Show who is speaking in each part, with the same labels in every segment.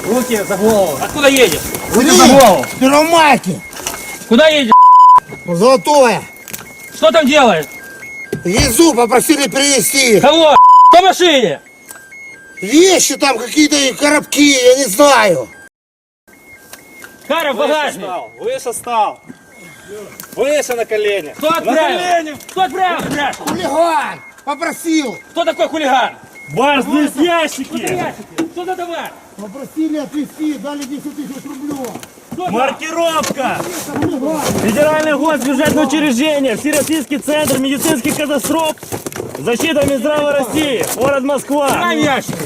Speaker 1: Руки за голову. Откуда едешь? Руки
Speaker 2: Три,
Speaker 1: за голову.
Speaker 2: Первомайки,
Speaker 1: Куда едешь?
Speaker 2: Золотое.
Speaker 1: Что там делаешь?
Speaker 2: Везу, попросили привезти.
Speaker 1: Кого? По машине.
Speaker 2: Вещи там какие-то, коробки, я не знаю.
Speaker 1: Каров, багажник.
Speaker 3: Выше стал. Выше на колени.
Speaker 1: Кто отправил? Кто отправил? Спрашиваю.
Speaker 2: Хулиган, попросил.
Speaker 1: Кто такой хулиган?
Speaker 3: Барс, здесь
Speaker 1: Что за
Speaker 3: ящики.
Speaker 1: ящики? Что за товар?
Speaker 2: Попросили отвезти, дали 10 тысяч рублей.
Speaker 1: Кто там?
Speaker 3: Маркировка.
Speaker 2: Хулиган.
Speaker 3: Федеральное госбюджетное учреждение. Всероссийский центр медицинских катастроф. Защита Минздрава России. Город Москва.
Speaker 1: Дай ящик.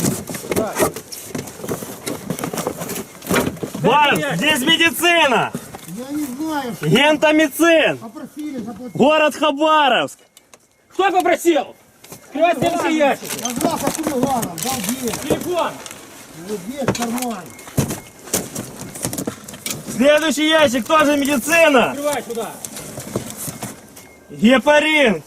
Speaker 3: Барс, здесь медицина.
Speaker 2: Я не знаю, что
Speaker 3: Гентамицин.
Speaker 2: попросили заплатить.
Speaker 3: Город Хабаровск.
Speaker 1: Кто попросил? Скрывай все ящики.
Speaker 2: Назвался хулиганом, дал денег.
Speaker 1: Телефон.
Speaker 2: Вот здесь в кармане.
Speaker 3: Следующий ящик тоже медицина.
Speaker 1: Открывай сюда.
Speaker 3: Гепарин.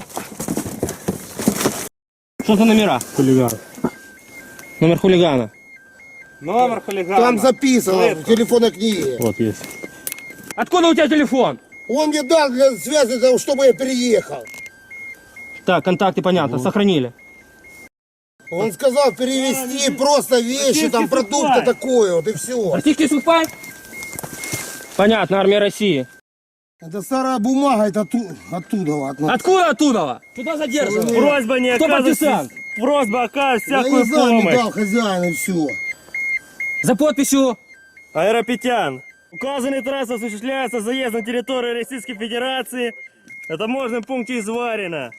Speaker 1: Что за номера?
Speaker 3: Хулиган.
Speaker 1: Номер хулигана.
Speaker 3: Номер хулигана.
Speaker 2: Там записано в телефонной книге.
Speaker 3: Вот есть.
Speaker 1: Откуда у тебя телефон?
Speaker 2: Он мне дал для связи, чтобы я переехал.
Speaker 1: Так, контакты понятно, сохранили.
Speaker 2: Он сказал перевезти просто вещи, там продукты
Speaker 3: сухпай.
Speaker 2: такое, вот и все.
Speaker 1: Российский сухпай? Понятно, армия России.
Speaker 2: Это старая бумага, это оттуда.
Speaker 1: Откуда оттуда? Куда задерживают?
Speaker 3: Просьба не
Speaker 1: Кто
Speaker 3: оказывать.
Speaker 1: партизан?
Speaker 3: Просьба оказывать
Speaker 2: Я
Speaker 3: всякую
Speaker 2: не знаю, не
Speaker 3: помощь.
Speaker 2: дал хозяин и все.
Speaker 1: За подписью.
Speaker 3: Аэропетян. Указанная трасса осуществляется заезд на территорию Российской Федерации. Это можно в пункте Изварина.